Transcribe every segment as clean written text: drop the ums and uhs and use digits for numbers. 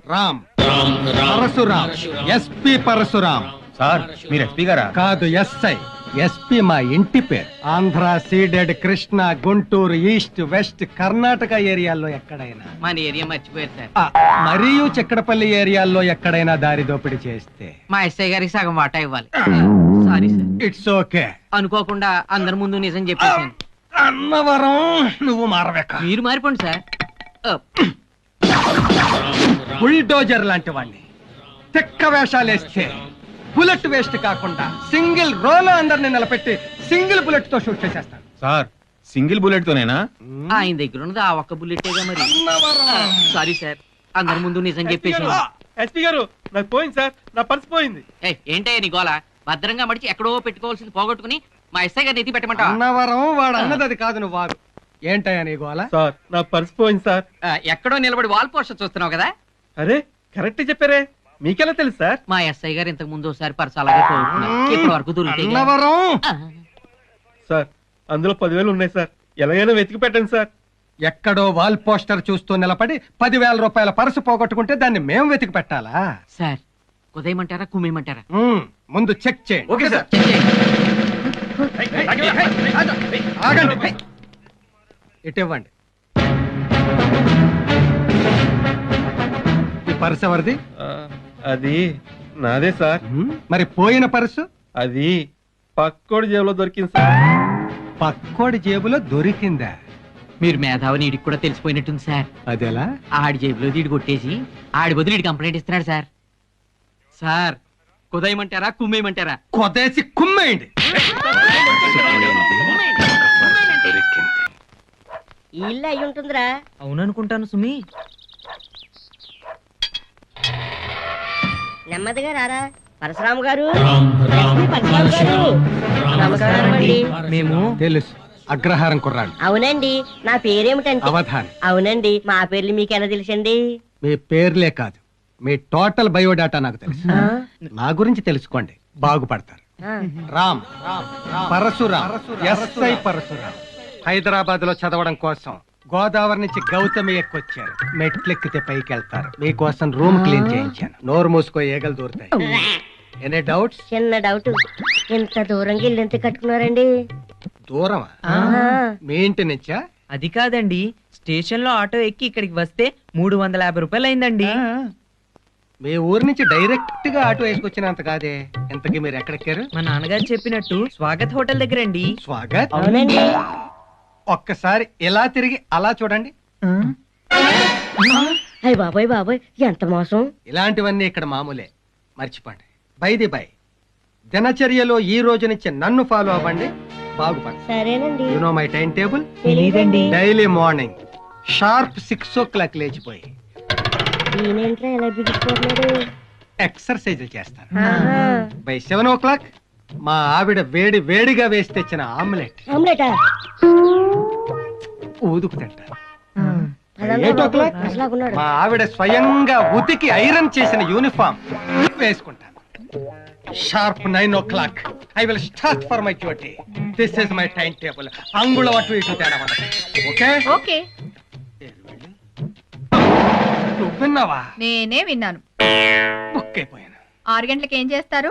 Ram Parashuram, SP Parashuram. Sir మీరు SP గారా? కాదు, ఎస్ఐ. ఎస్పీ మా ఇంటి పేరు. Andhra, Ceded, Krishna, Guntur, east, west, Karnataka ఏరియాల్లో ఎక్కడైనా, మన ఏరియా మర్చిపోయారు సార్. మరియు చక్రపల్లి ఏరియాల్లో ఎక్కడైనా దారి దోపిడీ చేస్తే మా ఎస్ఐ గారికి సగం వాటా ఇవ్వాలి. Sorry sir. It's okay. అనుకోకుండా అందరి ముందు నిజం చెప్పేసాను. అన్నవరం నువ్వు మారవేక. మీరు మారిపోండి సార్. బుల్డోజర్ లాంటి వాడిని తెక్క వేషాలేస్తే బుల్లెట్ వేస్ట్ కాకుండా సింగిల్ రోలో అందరిని నిలబెట్టి సింగిల్ బుల్లెట్ తో షూట్ చేసేస్తాను. సార్ సింగిల్ బుల్లెట్ తోనేనా? ఆయన దగ్గర ఉన్నది ఆ ఒక్క బుల్లెటేగా మరి. సారీ సార్, అందరి ముందు నిజం చెప్పేసాను. ఎస్పీ గారు నాకు పోయింది సార్, నా పర్స్ పోయింది. ఏంటయ్య నీ గోల? భద్రంగా మడిచి ఎక్కడో పెట్టుకోవాల్సింది పోగొట్టుకుని మా ఎస్ఐ గారిని ఎత్తి పెట్టమంటా? అన్నవరం వాడు అన్నది అది కాదు, నువ్వు వాడు. ఏంటయ్యా నీ గోల? సార్ నా పర్స్ పోయింది సార్. ఎక్కడో నిలబడి వాల్ పోస్టర్ చూస్తున్నావు కదా. అరే కరెక్ట్ చెప్పారే, మీకెలా తెలుసు సార్? మా ఎస్ఐ గారు ఇంతకు ముందు ఒకసారి పర్స్ అలాగే పోగొట్టుకున్నారు. ఇప్పటి వరకు దొరికితే అన్నవరం సార్ అందులో 10,000 ఉన్నాయి సార్, ఎలాగైనా వెతికి పెట్టండి సార్. ఎక్కడో వాల్ పోస్టర్ చూస్తూ నిలబడి 10,000 రూపాయల పర్సు పోగొట్టుకుంటే దాన్ని మేము వెతికి పెట్టాలా? సార్ కుదేయమంటారా కుమ్మేయమంటారా? ముందు చెక్ చేయండి. Okay sir. ఆగండి, ఇటు ఇవ్వండి. ఈ పర్సు ఎవరిది? అది నాదే సార్. మరి పోయిన పర్సు? అది పక్కోడి జేబులో దొరికింది సార్. పక్కోడి జేబులో దొరికిందా? మీరు మేధావిని ఈడికి కూడా తెలిసిపోయినట్టుంది సార్. అదెలా? ఆడి జేబులో దీడి కొట్టేసి ఆడి బదులు ఈడి కంప్లైంట్ ఇస్తున్నాడు సార్. సార్ కుదేయమంటారా కుమ్మేయమంటారా? కొదేసి కుమ్మేయండి. ఇల్లు అయి ఉంటుందిరా. అవుననుకుంటాను సుమి. నెమ్మదిగా రారా పరశురాము గారు. పరశురాము గారు నమస్కారం అండి. మేము తెలుసు, అగ్రహారం కుర్రాడు. అవునండి, నా పేరేమిటంటే అవధాన్. అవునండి, మా పేర్లు మీకెలా తెలుసండి? మీ పేర్లే కాదు, మీ టోటల్ బయోడాటా నాకు తెలుసు. నా గురించి తెలుసుకోండి, బాగుపడతారు. రామ్ పరశురామ్, ఎస్ఐ పరశురామ్. హైదరాబాద్ లో చదవడం కోసం గోదావరి నుంచి గౌతమి ఎక్కొచ్చారు. మెట్లెక్కితే పైకి వెళ్తారు. మీకోసం రూమ్ క్లీన్ చేయించాను. నోరు మూసుకో, ఏగలు దూరుతాయి. Any doubts? చిన్న డౌట్, ఇంత దూరంగా ఇల్లు ఎంత కట్టుకున్నారండి? దూరమా? మీ ఇంటి నుంచా? అది కాదండి, స్టేషన్ లో ఆటో ఎక్కి ఇక్కడికి వస్తే 350 రూపాయలు అయిందండి. మీ ఊరు నుంచి డైరెక్ట్ గా ఆటో వేసుకొచ్చినంత కాదే. ఇంతకీ మీరు ఎక్కడెక్కారు? మా నాన్నగారు చెప్పినట్టు స్వాగత్ హోటల్ దగ్గర అండి. స్వాగత్? అవునండి. ఒక్కసారి ఇలా తిరిగి అలా చూడండి. అయ్య బాబాయ్ బాబాయ్, ఎంత మోసం. ఇలాంటివన్నీ ఇక్కడ మామూలే, మర్చిపోండి. బైది బై, దినచర్యలో ఈ రోజు నుంచి నన్ను ఫాలో అవ్వండి, బాగుపడండి. సరేనండి. You know my time table? తెలీదండి. డైలీ మార్నింగ్ షార్ప్ 6 o'clock లేచిపోయి ఈయనేంట్రా ఎలా బిగిపోతున్నాడు? ఎక్సర్సైజులు చేస్తాను. బై 7 o'clock మా ఆవిడ వేడి వేడిగా వేసి తెచ్చిన ఆమ్లెట్ ఆమ్లెటా? ఊదుకు తింటాను. 8 o'clock మా ఆవిడ స్వయంగా ఉతికి ఐరన్ చేసిన యూనిఫామ్ వేసుకుంటాను. Sharp 9 o'clock I will start for my duty. This is my time table. అంగుళం అటు ఇటు తేడా ఉండదు. Okay okay. నువ్వు విన్నావా? నేనే విన్నాను. బుక్ అయిపోయాను. 6 గంటలకు ఏం చేస్తారు?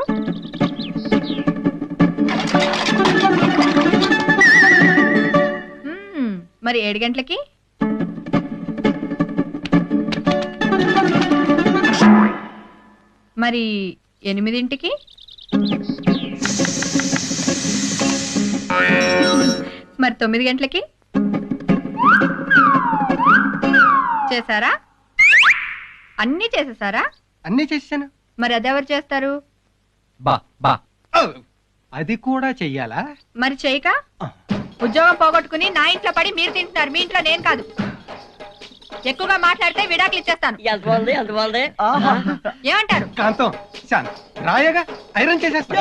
మరి 7 గంటలకి? మరి 8ంటికి? మరి 9 గంటలకి చేశారా? అన్నీ చేసేసారా? అన్నీ చేశాను. మరి అదెవరు చేస్తారు? బా బా అది కూడా చెయ్యాలా? మరి చేయక ఉద్యోగం పోగొట్టుకుని నా ఇంట్లో పడి మీరు తింటున్నారు, మీ ఇంట్లో నేను కాదు. ఎక్కువగా మాట్లాడితే విడాకులు ఇచ్చేస్తాను. ఎంత బాగుంది, ఎంత బాగుంది. ఏమంటారు? కాంతం శాంత్ రాయగా ఐరన్ చేసేస్తా.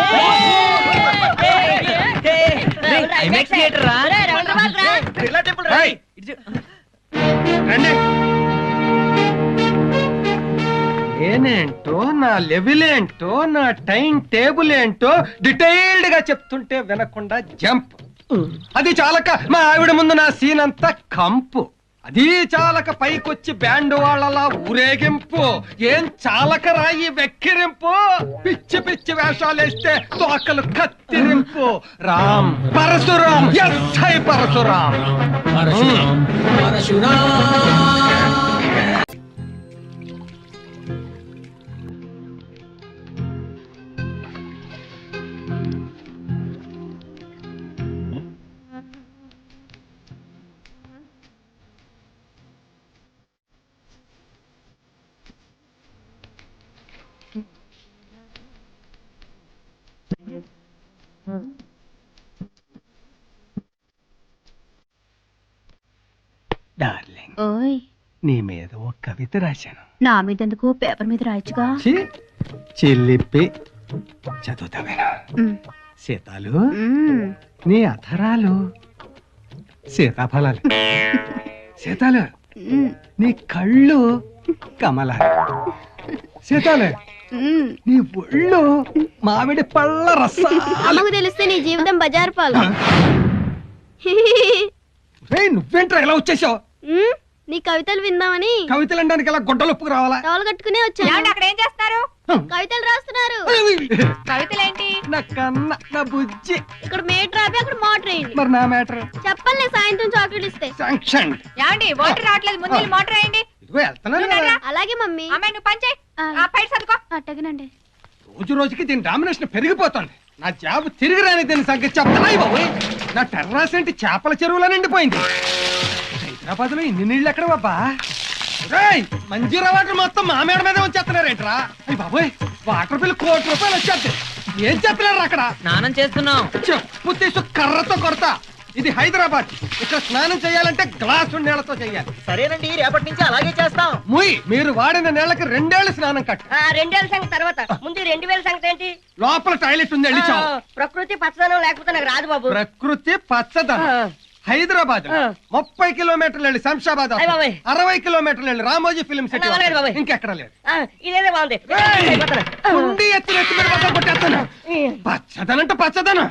నేనేంటో, నా లెవెల్ ఏంటో, నా టైం టేబుల్ ఏంటో డీటెయిల్డ్ గా చెప్తుంటే వినకుండా జంప్. అది చాలక మా ఆవిడ ముందు నా సీన్ అంతా కంపు. అది చాలక పైకొచ్చి బ్యాండ్ వాళ్ళలా ఊరేగింపు. ఏం చాలక రాయి వెక్కిరింపు. పిచ్చి పిచ్చి వేషాలేస్తే తోకలు కత్తిరింపు. రామ్ పరశురామ్, ఎస్ఐ పరశురామ్. డార్లింగ్, ఓయ్ నీ మీద ఓ కవిత రాశాను. నా మీద ఎందుకు పేపర్ మీద రాయొచ్చుగా. చెల్లిప్పి చదువుతావేనా? ఉమ్, సీతాలు, ఉమ్. నీ అధరాలు సీతాఫలాలు. సీతాలు, ఉమ్, నీ కళ్ళు కమలాలు. సీతాలు, ఉమ్. నీ ఒళ్ళు మామిడి పళ్ళ రసాలు. అమ్మకు తెలిస్తే నీ జీవితం బజారు పాలు. రేయ్, నువ్వేంట్రా ఇలా వచ్చేసావు? ఉమ్, నీ కవితలు విందామని కవితలు అనడానికి ఇలా గుడ్డలొప్పుకు రావాలా? టవల్ కట్టుకునే వచ్చాను. ఏమండి అక్కడ ఏం చేస్తారు? కవితలు రాస్తున్నారు. కవితలేంటి? నా కన్న, నా బుజ్జి. ఇక్కడ మేటర్ ఆపి అక్కడ మోటర్ వేయండి. మరి నా మ్యాటర్ చెప్పలే సాయంత్రం చాక్లెట్ ఇస్తే. శాంక్షన్. ఏమండి వాటర్ రావట్లేదు, ముందు వెళ్ళి మోటార్ వేయండి. ఇదిగో వెళ్తున్నాను కదా. అలాగే మమ్మీ. అమ్మాయి నువ్వు పని చేయి. ఆ. ఆ పైన చదువుకో. అట్టగనండి. రోజు రోజుకి దీని డామినేషన్ పెరిగిపోతుంది. నా జాబ్ తిరిగి రాని దీని సంగతి చెప్తాయి బాబోయ్. నా టెర్రాస్ ఏంటి చేపల చెరువులో నిండిపోయింది. హైదరాబాద్ లో ఇన్ని నీళ్ళు ఎక్కడ బాబా? మంజీరా వాటర్ మొత్తం మా మేడ మీద వచ్చేస్తున్నారేంట్రా? అయ్యి బాబోయ్, వాటర్ బిల్ ₹1,00,00,000 వచ్చేది. ఏం చేస్తున్నారు అక్కడ? స్నానం చేస్తున్నాం. చెప్పు తీసు కర్రతో కొడతా. ఇది హైదరాబాద్. ఇక్కడ స్నానం చేయాలంటే గ్లాసు నీళ్లతో చేయాలి. సరేనండి, రేపటి నుంచి అలాగే చేస్తాం. ముయ్, మీరు వాడిన నీళ్ళకి 2 ఏళ్లు స్నానం కట్టు. 2 ఏళ్ళ సంగతి తర్వాత, ముందు 2000 సంగతి ఏంటి? లోపల టాయిలెట్ ఉంది, వెళ్ళి చావు. ప్రకృతి పచ్చదనం లేకపోతే నాకు రాదు బాబు. ప్రకృతి పచ్చదనం. హైదరాబాద్ 30 కిలోమీటర్లు వెళ్ళి శంషాబాద్, అయ్ బాబోయ్. 60 కిలోమీటర్లు వెళ్ళి రామోజీ ఫిల్మ్ సిటీ, అలాగే బాబోయ్. ఇంకెక్కడ లేదు. ఇదేదో బాగుంది. ఉండి ఎత్తి ఎత్తి మీద బద్దలు కొట్టేస్తాను. పచ్చదనంటే పచ్చదనం.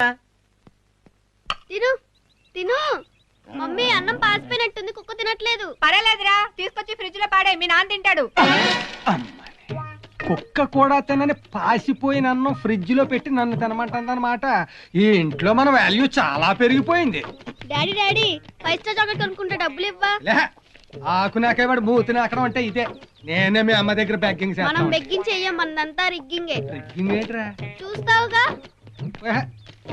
తిను తిను. మమ్మీ అన్నం పాసిపోయినట్టుంది, కుక్క తినట్లేదు. పర్వాలేదురా, తీసుకొచ్చి ఫ్రిడ్జ్ లో పాడే, మీ నాన్న తింటాడు. అమ్మని, కుక్క కూడా తినని పాసిపోయిన అన్నం ఫ్రిడ్జ్ లో పెట్టి నన్ను తినమంటుందన్నమాట. ఈ ఇంట్లో మన వాల్యూ చాలా పెరిగిపోయింది. డాడీ డాడీ 5 స్టార్ చాక్లెట్ కొనుక్కుంటే డబ్బులు ఇవ్వా? లే, ఆకు నాకేవాడు మూతి నాకడం అంటే ఇదే. నేనే మీ అమ్మ దగ్గర బెగ్గింగ్ మనం చేస్తాను. బెగ్గింగ్ చెయ్యం, మనదంతా రిగ్గింగే. బెగ్గింగ్ ఏంట్రా? చూస్తావుగా. ఏహ్,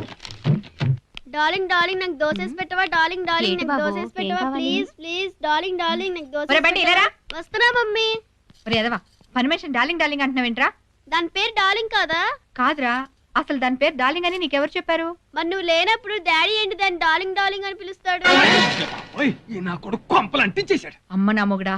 డార్లింగ్ డార్లింగ్ నాకు దోసేసి పెట్టవా? డార్లింగ్ డార్లింగ్ ఏంటి నాకు బాబు, దోసేసి ఏం పెట్టవా? కావాలి? ప్లీజ్ ప్లీజ్ డార్లింగ్ డార్లింగ్ నాకు ఒరే దోసేసి బంటి, పెట్టవా? ఇలారా. వస్తున్నా మమ్మీ. ఒరే ఎదవా, పర్మిషన్ డార్లింగ్ డార్లింగ్ అంటున్నావేంట్రా? దాని పేరు డార్లింగ్ కాదా? కాదురా, అసలు దాని పేరు డార్లింగ్ అని నీకెవరు చెప్పారు? మరి నువ్వు లేనప్పుడు డాడీ ఏంటి దాన్ని డార్లింగ్ డార్లింగ్ అని పిలుస్తాడు? ఓయ్, ఈ నా కొడుకు కొంపలు అంటించేశాడు. అమ్మ నా మొగుడా.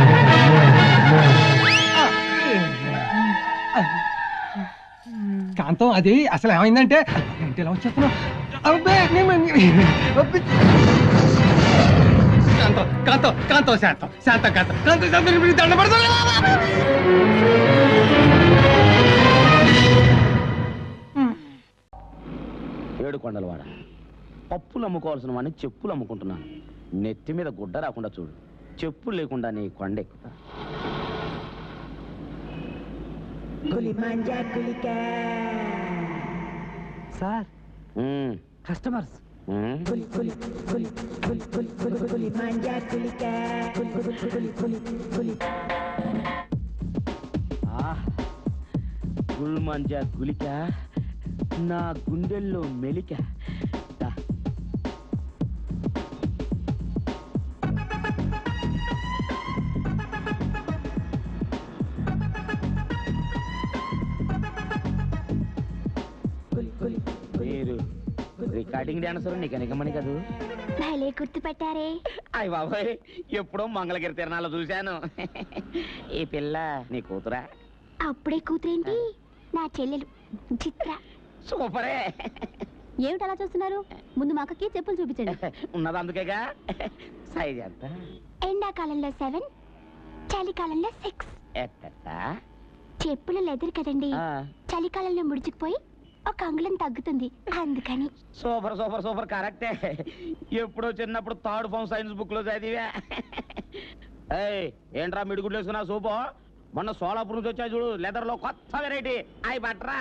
కాంతం, అది అసలు ఏమైందంటే, ఏంటి ఇలా వచ్చేస్తున్నావు? అబ్బే, కాంతం కాంతం కాంతం శాంతం శాంతం కాంతం కాంతం శాంతం, మీకు దండ పడతాను. ఏడుకొండలవాడ, పప్పులు అమ్ముకోవాల్సిన వాడిని చెప్పులు అమ్ముకుంటున్నాను. నెత్తి మీద గుడ్డ రాకుండా చూడు. చెప్పులు లేకుండా నీ కొండెక్కుతా. Sir, customers. గుల్మంజా గులిక, నా గుండెల్లో మెలిక. దా. మీరు రికార్డింగ్ డాన్సర్, నీకు ఎనకమని కదూ? భలే గుర్తుపెట్టారే. అయ్య బాబాయ్, ఎప్పుడో మంగళగిరి తిరణాలు చూశాను. ఈ పిల్ల నీ కూతురా? అప్పుడే కూతురేంటి, నా చెల్లెలు చిత్ర. సూపరే. ఏమిటి అలా చూస్తున్నారు? ముందు మా అక్కకి చెప్పులు చూపించండి. ఉన్నది అందుకేగా. సైజ్ ఎంత? ఎండాకాలంలో 7, చలికాలంలో 6. ఎట్టా? చెప్పులు లెదర్ కదండి, చలికాలంలో ముడుచుకుపోయి ఒక అంగుళం తగ్గుతుంది అందుకని. సూపర్ సూపర్ సూపర్ కరెక్టే. ఎప్పుడో చిన్నప్పుడు థర్డ్ ఫామ్ సైన్స్ బుక్ లో చదివా. ఏయ్ ఏంట్రా మిడిగుడ్లు వేసుకున్నా సూపు? మొన్న సోలాపూర్ నుంచి వచ్చా చూడు, లెదర్ లో కొత్త వెరైటీ అయి బట్రా.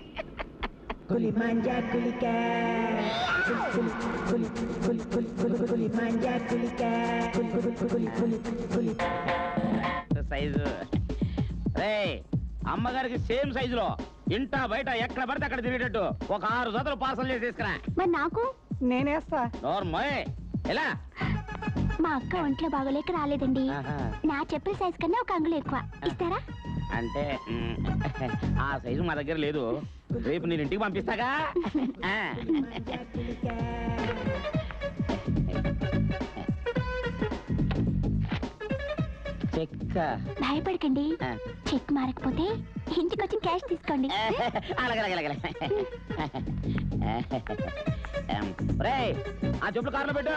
సైజు రే అమ్మగారికి సేమ్ సైజులో ఇంటా బయట ఎక్కడ పడితే అక్కడ తిరిగేటట్టు ఒక 6 జతలు పార్సల్ చేసి తీసుకురా. మరి నాకు నేనేస్తా. నోర్మోయ్ ఎలా? మా అక్క ఒంట్లో బాగోలేక రాలేదండి. ఆహా. నా చెప్పిన సైజ్ కన్నా ఒక అంగుళం ఎక్కువ ఇస్తారా? అంటే ఆ సైజు మా దగ్గర లేదు, రేపు నేను ఇంటికి పంపిస్తాగా. ఆ. చెక్క భయపడకండి, చెక్ మారకపోతే ఇంటికి వచ్చి క్యాష్ తీసుకోండి. అలాగే ఆ చెప్పులు కారులో పెట్టు.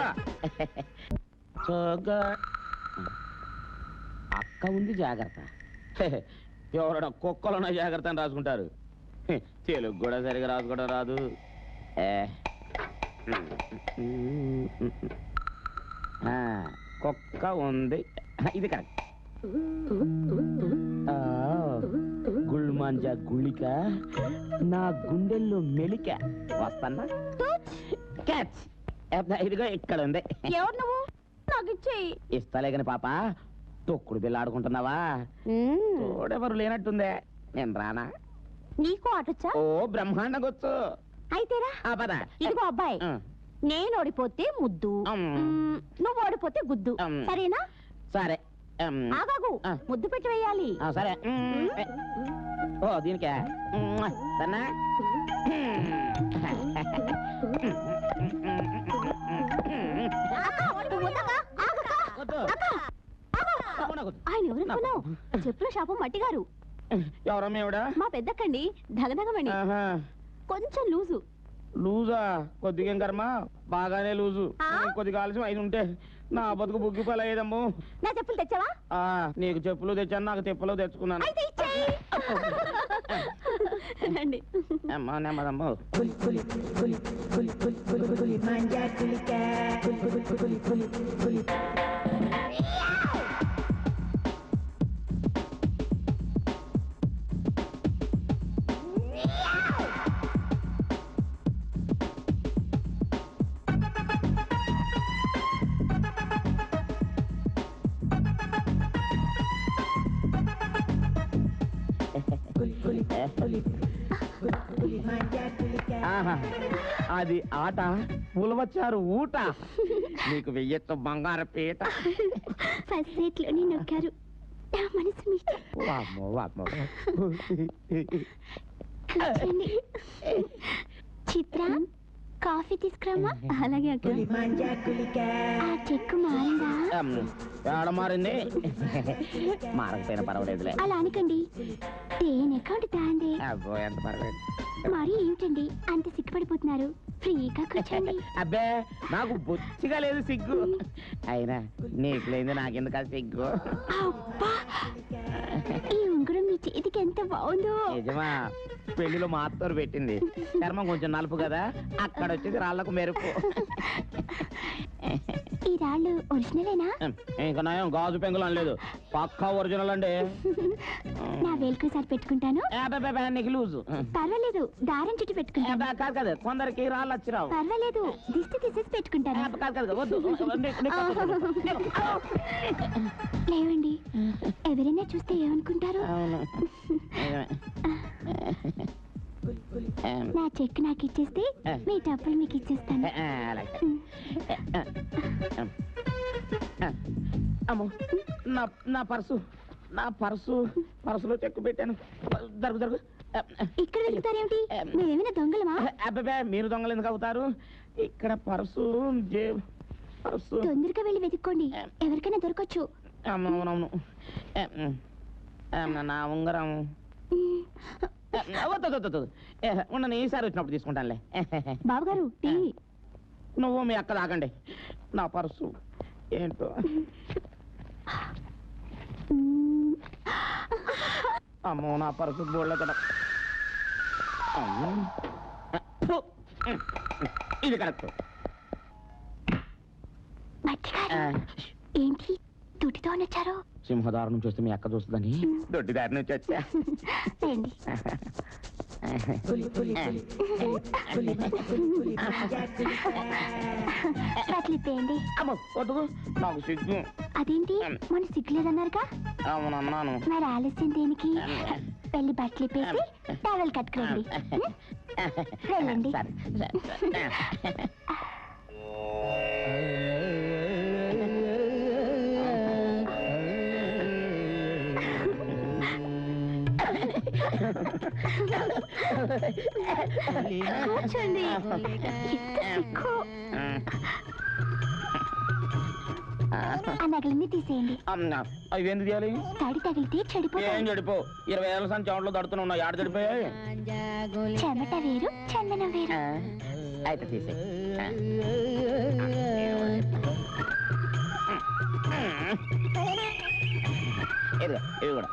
అక్క ఉంది జాగ్రత్త. ఎవరైనా కుక్కలున్న జాగ్రత్త అని రాసుకుంటారు, తెలుగు కూడా సరిగా రాసుకోవడం రాదు. కుక్క ఉంది, ఇది కరెక్ట్. గుల్మాంజా గుళిక నా గుండెల్లో మెలిక వస్తానా. క్యాచ్ ఇదిగో ఇక్కడ ఉంది. ఎవరు నువ్వు? నాకు ఇచ్చేయి. ఇస్తాలే కాని పాప, తొక్కుడు బిల్ల ఆడుకుంటున్నావా? తోడెవరు లేనట్టుందే, నేను రానా? నీకు ఆటొచ్చా? ఓ బ్రహ్మాండంగా వచ్చు. అయితేరా. పద. ఇదిగో అబ్బాయి, నేను ఓడిపోతే ముద్దు, నువ్వు ఓడిపోతే గుద్దు, సరేనా? సరే ఆగాగు, ముద్దు పెట్టి వేయాలి. సరే. ఓ దీనికే సన్నా. ఆయన ఎవరనుకున్నావు? చెప్పుల షాపు మట్టిగారు. ఎవరమ్మా ఎవడా? మా పెద్దక్కండి, ధగధగమణి. కొంచెం లూజు. లూజా? కొద్దిగా ఏం కర్మ, బాగానే లూజు. కొద్దిగా ఆలస్యం అయి ఉంటే నా బతుకు బుగ్గిపాలు అయ్యేదమ్ము. నా చెప్పులు తెచ్చావా? నీకు చెప్పులు తెచ్చాను, నాకు తెప్పలు తెచ్చుకున్నాను. రండి. అమ్మా నెమ్మదమ్మో. అది ఆట, పులవచ్చారు ఊట, నీకు వెయ్యొచ్చు బంగారు పీట. ఫస్ట్ సీట్ లోనే నొక్కారు, నా మనసు మీద. చిత్ర, కాఫీ తీసుకురామా? అలాగే అక్క. ఆ చెక్కు మారిందా? ఏడ మారింది? మారకపోయినా పర్వాలేదులే. అలా అనకండి, తేనె అకౌంట్ తాంది. అబ్బో ఎంత పర్వాలేదు. మరి ఏమిటండి అంత సిగ్గుపడిపోతున్నారు? ఫ్రీగా కూర్చోండి. అబ్బే నాకు బొచ్చిగా లేదు సిగ్గు, అయినా నీకు లేదు నాకెందుకు సిగ్గు. అబ్బా, ఈ ఉంగరం మీ చేతికి ఎంత బాగుందో. నిజమా? పెళ్లిలో మా అత్తోరు పెట్టింది, చర్మం కొంచెం నలుపు కదా, అక్కడ వచ్చేది రాళ్లకు మెరుపు. ఈ రాళ్ళు ఒరిజినలేనా? ఇంకా నయం గాజు పెంగులు అనలేదు, పక్కా ఒరిజినల్ అండి. నా వేలుకోసారి పెట్టుకుంటాను. నీకు లూజు పర్వాలేదు, దారం చుట్టూ పెట్టుకుంటాను. కాదు కదా, కొందరికి రాళ్ళు వచ్చిరావు. పర్వాలేదు, దిష్టి తీసేసి పెట్టుకుంటాను. కాదు వద్దు. లేవండి, ఎవరైనా చూస్తే ఏమనుకుంటారు? నా చెక్ నాకు ఇచ్చేస్తే మీ డబ్బులు మీకు ఇచ్చేస్తాను. అమ్మో, నా పర్సులో చెక్కు పెట్టాను. జరుగు. ఇక్కడ వెళ్తారేమిటి? మేమేమైనా దొంగలమా? అబ్బాబే, మీరు దొంగలు ఎందుకు అవుతారు? ఇక్కడ పర్సు తొందరగా వెళ్ళి వెతుక్కోండి, ఎవరికైనా దొరకచ్చు. అవునవును. నా ఉంగరం ఉండను, ఈసారి వచ్చినప్పుడు తీసుకుంటానులే. బాబుగారు, టీ. నువ్వు మీ అక్క తాగండి, నా పర్సు ఏంటో. అమ్మో, నా పర్సు బోర్డులో కదా. ఇది కరెక్ట్. ఏంటి దుడ్డితో వచ్చారు? సింహదారు నుంచి వస్తే మీ అక్క చూస్తుందని దొడ్డిదారి నుంచి వచ్చా. బట్లిప్పేయండి. అమ్మ వద్దు, నాకు సిగ్గు. అదేంటి మన సిగ్గులేదన్నారుగా? అవునన్నాను. మరి ఆలస్యం దేనికి? వెళ్ళి బట్టలిప్పేసి టవల్ కట్టుకోండి. వెళ్ళండి. కూర్చోండి. ఆ నగలన్నీ తీసేయండి. అవి ఎందుకు తీయాలి? తడి తగిలితే ఏం చెడిపోతాయి. చెడిపో 20 ఏళ్ళ సంచి చెమటలో దడుతున్నా. ఆడ చెడిపోయాయి. చెమట వేరు చందనం వేరు. అయితే తీసే. ఇవి కూడా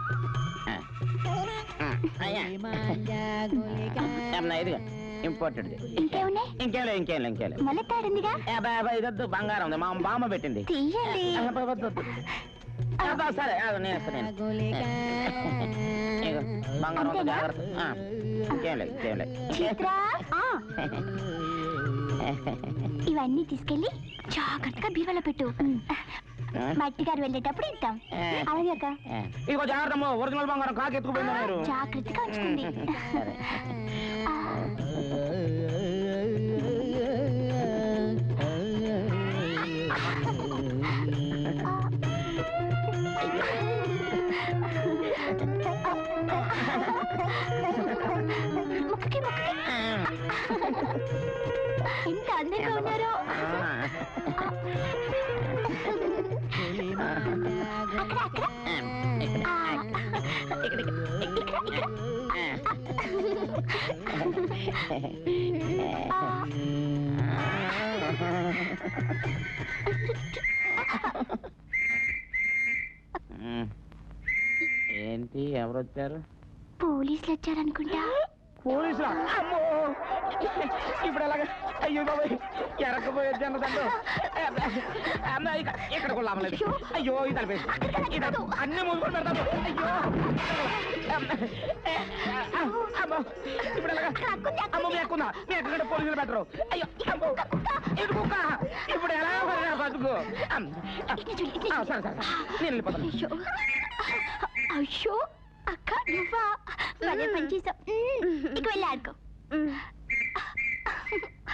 ఇదిగా ఇంపార్టెంట్. ఇంకేమున్నాయి? ఇంకేం మళ్ళీ తాడిందిగా. ఇదొద్దు, బంగారం ఉంది, మా బామ్మ పెట్టింది. తీయండి. సరే నేను బంగారం ఉంది, జాగ్రత్త. ఇంకేం లేదు. చిత్ర, ఇవన్నీ తీసుకెళ్ళి జాగ్రత్తగా బీవలో పెట్టు. మట్టి గారు వెళ్ళేటప్పుడు ఇద్దాం. అలాగే అక్క. ఇగో జాగ్రత్త, ఒరిజినల్ బంగారం కాకి ఎత్తుకుపోయింది. మీరు జాగ్రత్తగా ఉంచుకోండి. ఎంత అందంగా ఉన్నారో. ఏంటి, ఎవరు వచ్చారు? పోలీసులు వచ్చారనుకుంటా. పోలీసులా? అమ్మో, ఇప్పుడు ఎలాగ? అయ్యో బాబాయ్, ఎరకపోయి వచ్చాను తండ్రి. ఇక్కడ కూడా లాభలేదు. అయ్యో ఇది అన్ని మూసుకొని పెడతాను. అయ్యో అమ్మో, ఇప్పుడు ఎలాగ? అమ్మ మీ ఎక్కుందా? మీ ఎక్కడ పోలీసులు పెట్టరు. అయ్యో అమ్మో, ఇటు కుక్క. ఇప్పుడు ఎలా బతుకు? సరే సరే నేను వెళ్ళిపోతాను. అయ్యో అక్క, నువ్వా? భలే పని చేసావు. ఇక వెళ్ళి ఆడుకో.